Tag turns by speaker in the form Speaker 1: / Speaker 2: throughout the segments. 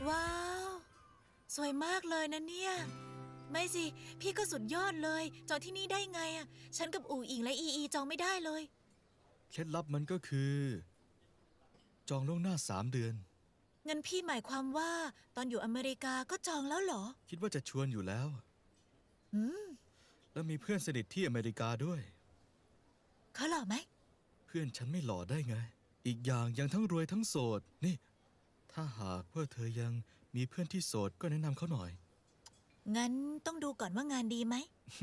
Speaker 1: ว้าวสวยมากเลยนะเนี่ยไม่สิพี่ก็สุดยอดเลยจองที่นี่ได้ไงอ่ะฉันกับอู่อิงและอีจองไม่ได้เลย
Speaker 2: เคล็ดลับมันก็คือจองล่วงหน้า3 เดือน
Speaker 1: งั้นพี่หมายความว่าตอนอยู่อเมริกาก็จองแล้วเหรอ
Speaker 2: คิดว่าจะชวนอยู่แล้วแล้วมีเพื่อนสนิทที่อเมริกาด้วย
Speaker 1: เขาหล่อไหม
Speaker 2: เพื่อนฉันไม่หล่อได้ไงอีกอย่างยังทั้งรวยทั้งโสดนี่ถ้าหากว่าเธอยังมีเพื่อนที่โสดก็แนะนำเขาหน่อย
Speaker 1: งั้นต้องดูก่อนว่างานดีไหม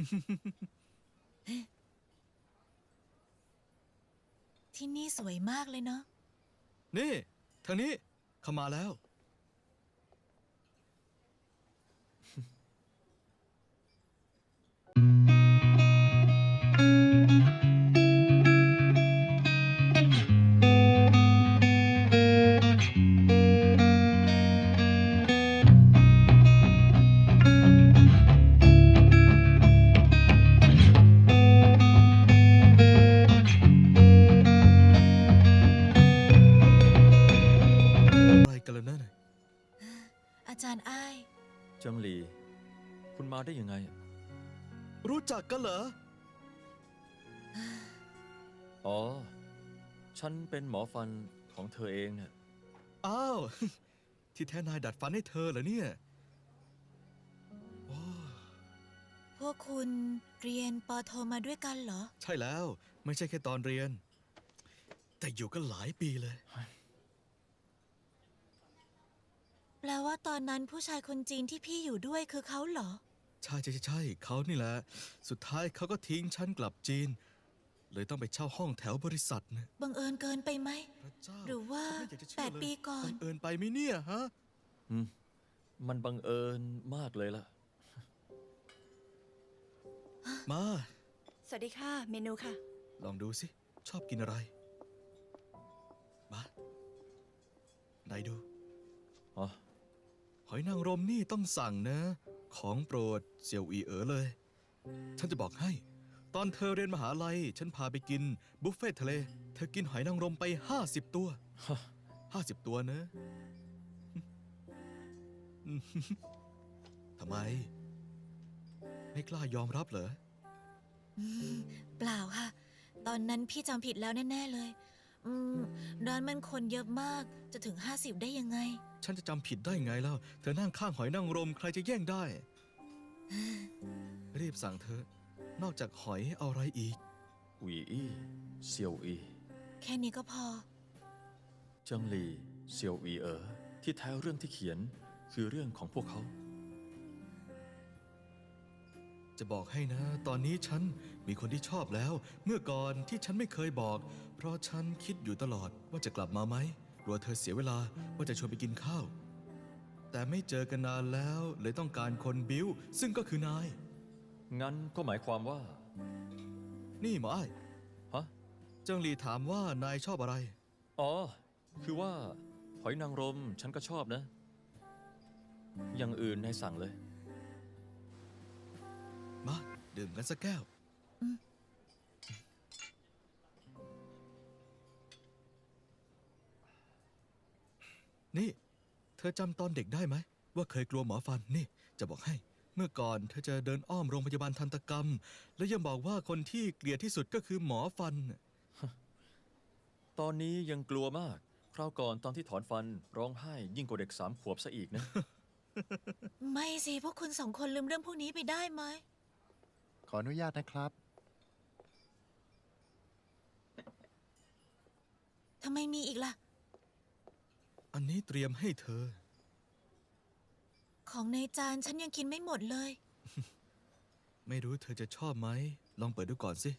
Speaker 1: ที่นี่สวยมากเลยเนาะ
Speaker 2: นี่ทางนี้เข้ามาแล้วอะไรกันแล้วนั่น
Speaker 1: อาจารย์อ้าย
Speaker 3: เจิงหลี คุณมาได้ยังไง
Speaker 2: รู้จักกันเหรอ
Speaker 3: อ๋อ ฉันเป็นหมอฟันของเธอเองเนี่ย
Speaker 2: อ้าว ที่แท้นายดัดฟันให้เธอเหรอเนี่ยโอ้
Speaker 1: พวกคุณเรียนปอโทมาด้วยกันเหรอ
Speaker 2: ใช่แล้วไม่ใช่แค่ตอนเรียน แต่อยู่กันหลายปีเลย
Speaker 1: แปลว่าตอนนั้นผู้ชายคนจีนที่พี่อยู่ด้วยคือเขาเหรอ
Speaker 2: ใช่ใช่ใช่ใช่เขานี่แหละ สุดท้ายเขาก็ทิ้งฉันกลับจีน เลยต้องไปเช่าห้องแถวบริษัทนะ
Speaker 1: บังเอิญเกินไปไหม
Speaker 2: พระเจ้า
Speaker 1: หรือว่า
Speaker 2: ฉันไม่อยากจะเชื่อเลย
Speaker 1: 8 ปีก่อน
Speaker 2: บังเอิญไปไหมเนี่ยฮะ
Speaker 3: มันบังเอิญมากเลยล่ะ
Speaker 2: มา
Speaker 4: สวัสดีค่ะ เมนูค่ะ
Speaker 2: ลองดูสิ ชอบกินอะไร มาไหนดู
Speaker 3: อ๋อ
Speaker 2: หอยนางรมนี่ต้องสั่งนะ ของโปรดเสี่ยวอีเอ๋อเลย ฉันจะบอกให้ ตอนเธอเรียนมหาลัย ฉันพาไปกินบุฟเฟ่ทะเล เธอกินหอยนางรมไป50 ตัว 50 ตัวนะทำไม ไม่กล้ายอมรับเหรอ
Speaker 1: เปล่าค่ะ ตอนนั้นพี่จำผิดแล้วแน่ๆเลย ร้านมันคนเยอะมาก จะถึง 50 ได้ยังไง
Speaker 2: ฉันจะจำผิดได้ไงแล้ว เธอนั่งข้างหอยนางรมใครจะแย่งได้ รีบสั่งเธอะ นอกจากหอยเอาอะไรอีก
Speaker 3: อุยอี้เซียวอี
Speaker 1: แค่นี้ก็พอ
Speaker 3: เจิงหลี เซียวอีที่แท้เรื่องที่เขียนคือเรื่องของพวกเขา
Speaker 2: จะบอกให้นะ ตอนนี้ฉันมีคนที่ชอบแล้ว เมื่อก่อนที่ฉันไม่เคยบอก เพราะฉันคิดอยู่ตลอดว่าจะกลับมาไหมกลัวเธอเสียเวลาว่าจะชวนไปกินข้าว แต่ไม่เจอกันนานแล้วเลยต้องการคนบิ้วซึ่งก็คือนาย
Speaker 3: งั้นก็หมายความว่า
Speaker 2: นี่หมออ้าย
Speaker 3: ฮะ
Speaker 2: เจิงหลีถามว่านายชอบอะไร
Speaker 3: อ๋อ คือว่า หอยนางรมฉันก็ชอบนะ อย่างอื่นนายสั่งเลย
Speaker 2: มาดื่มกันสักแก้ว นี่ เธอจำตอนเด็กได้ไหม ว่าเคยกลัวหมอฟันนี่ จะบอกให้ เมื่อก่อนเธอจะเดินอ้อมโรงพยาบาลทันตกรรม แล้วยังบอกว่าคนที่เกลียดที่สุดก็คือหมอฟัน
Speaker 3: ตอนนี้ยังกลัวมาก คราวก่อนตอนที่ถอนฟันร้องไห้ยิ่งกว่าเด็ก3 ขวบซะอีกนะ
Speaker 1: ไม่สิ พวกคุณสองคนลืมเรื่องพวกนี้ไปได้ไหม
Speaker 5: ขออนุญาตนะครับ
Speaker 1: ทำไมมีอีกล่ะ
Speaker 2: อันนี้เตรียมให้เธอ
Speaker 1: ของในจานฉันยังกินไม่หมดเลย
Speaker 2: ไม่รู้เธอจะชอบไหม ลองเปิดดูก่อนสิ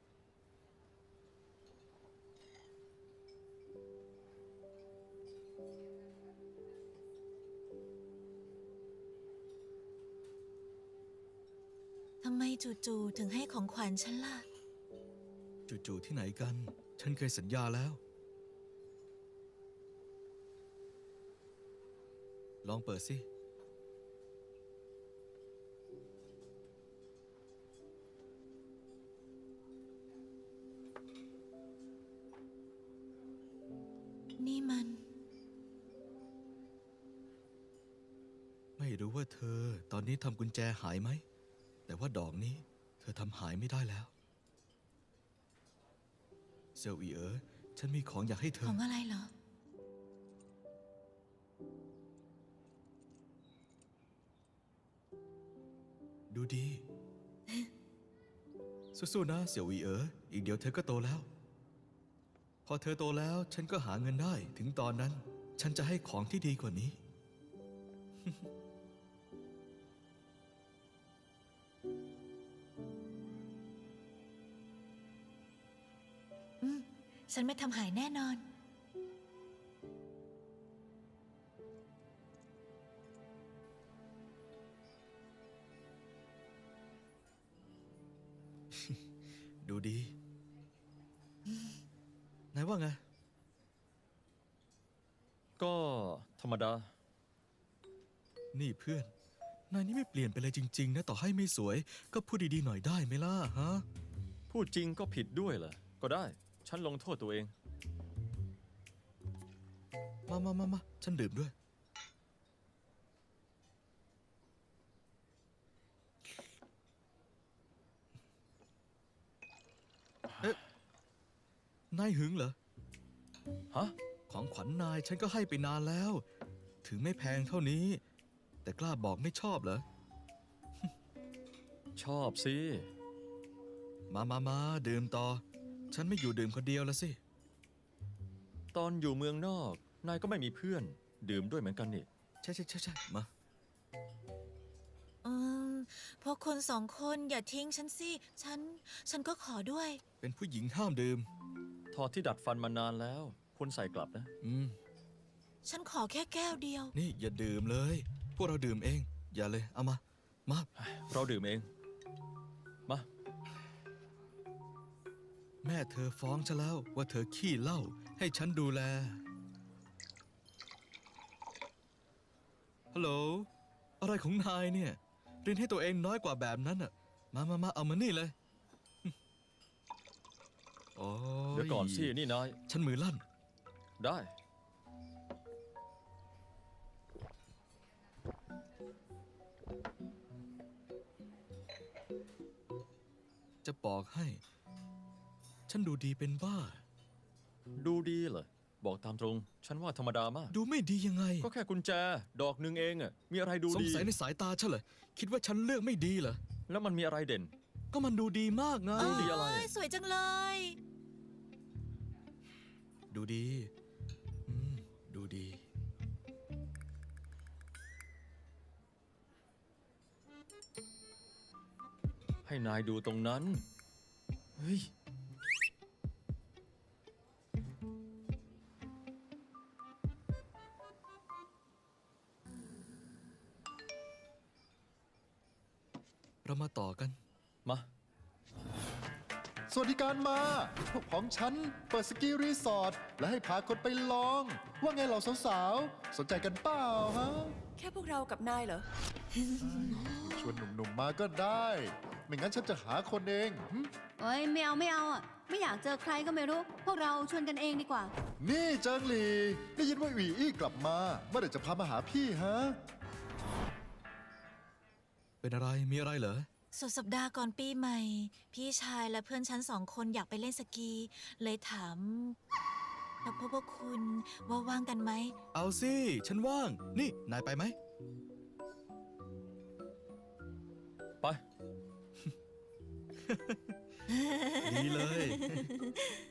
Speaker 1: ทำไมจู่ๆถึงให้ของขวัญฉันล่ะ
Speaker 2: จู่ๆที่ไหนกัน ฉันเคยสัญญาแล้ว ลองเปิดสิรู้ว่าเธอตอนนี้ทำกุญแจหายไหม แต่ว่าดอกนี้เธอทำหายไม่ได้แล้ว เซลอีฉันมีของอยากให้เธ
Speaker 1: ข
Speaker 2: อ
Speaker 1: องอะไรเหรอ
Speaker 2: ดูดี สู้ๆนะเสี่ยวอีอีกเดี๋ยวเธอก็โตแล้ว พอเธอโตแล้วฉันก็หาเงินได้ ถึงตอนนั้น ฉันจะให้ของที่ดีกว่านี้
Speaker 1: ฉันไม่ทำหายแน่นอน
Speaker 2: ดูดี นายว่าไง
Speaker 3: ก็ธรรมดา
Speaker 2: นี่เพื่อน นายนี่ไม่เปลี่ยนไปเลยจริง ๆ นะ ต่อให้ไม่สวย ก็พูดดีๆหน่อยได้ไหมล่ะฮะ
Speaker 3: พูดจริงก็ผิดด้วยเหรอ ก็ได้ ฉันลงโทษตัวเอง
Speaker 2: มา ฉันดื่มด้วย เอ๊ะ นายหึงเหรอ
Speaker 3: ฮะ
Speaker 2: ของขวัญนายฉันก็ให้ไปนานแล้ว ถึงไม่แพงเท่านี้ แต่กล้าบอกไม่ชอบเหรอ
Speaker 3: ชอบสิ
Speaker 2: มาดื่มต่อ ฉันไม่อยู่ดื่มคนเดียวแล้วสิ
Speaker 3: ตอนอยู่เมืองนอก นายก็ไม่มีเพื่อน ดื่มด้วยเหมือนกันนี่
Speaker 2: ใช่ มา
Speaker 1: พวกคุณสองคนอย่าทิ้งฉันสิ ฉันก็ขอด้วย
Speaker 2: เป็นผู้หญิงห้ามดื่ม
Speaker 3: ถอดที่ดัดฟันมานานแล้ว ควรใส่กลับนะ
Speaker 1: ฉันขอแค่แก้วเดียว
Speaker 2: นี่อย่าดื่มเลย พวกเราดื่มเอง อย่าเลย เอามา
Speaker 3: เราดื่มเอง มา
Speaker 2: แม่เธอฟ้องฉันแล้วว่าเธอขี้เหล้าให้ฉันดูแล ฮัลโหล อะไรของนายเนี่ย เรียนให้ตัวเองน้อยกว่าแบบนั้นอ่ะ มาเอามานี่เลย โอ้ย
Speaker 3: เดี๋ยวก่อนสิ นี่นาย
Speaker 2: ฉันมือลั่น
Speaker 3: ได้
Speaker 2: จะบอกให้ ฉันดูดีเป็นบ้า
Speaker 3: ดูดีเหรอ บอกตามตรง ฉันว่าธรรมดามาก
Speaker 2: ดูไม่ดียังไง
Speaker 3: ก็แค่กุญแจ ดอกหนึ่งเองอะมีอะไรดู
Speaker 2: สง
Speaker 3: ดี
Speaker 2: สัยในสายตาฉันเหรอ คิดว่าฉันเลือกไม่ดีเหรอ
Speaker 3: แล้วมันมีอะไรเด่น
Speaker 2: ก็มันดูดีมากไง
Speaker 3: ดูดีอะไร
Speaker 1: โยสวยจังเลย
Speaker 2: ดูดี ดูดี
Speaker 3: ให้นายดูตรงนั้น เฮ้ย
Speaker 2: เรามาต่อกัน
Speaker 3: มา
Speaker 5: สวัสดิการมา พวกของฉันเปิดสกีรีสอร์ทและให้พาคนไปลอง ว่าไงเหล่าสาวๆ สนใจกันเปล่าฮะ
Speaker 4: แค่พวกเรากับนายเหรอ
Speaker 5: ชวนหนุ่มๆมาก็ได้ ไม่งั้นฉันจะหาคนเองหึ
Speaker 6: เอ้ยไม่เอาอ่ะ ไม่อยากเจอใครก็ไม่รู้ พวกเราชวนกันเองดีกว่า
Speaker 5: นี่เจิงหลีได้ยินว่าหวีอี้กลับมาเมื่อไหร่จะพามาหาพี่ฮะ
Speaker 2: เป็นอะไร มีอะไรเหรอ
Speaker 1: สุดสัปดาห์ก่อนปีใหม่ พี่ชายและเพื่อนฉัน2 คนอยากไปเล่นสกี เลยถามพวกคุณว่าว่างกันไหม
Speaker 2: เอาสิ ฉันว่าง นี่ นายไปไหม
Speaker 3: ไป
Speaker 2: ดีเลย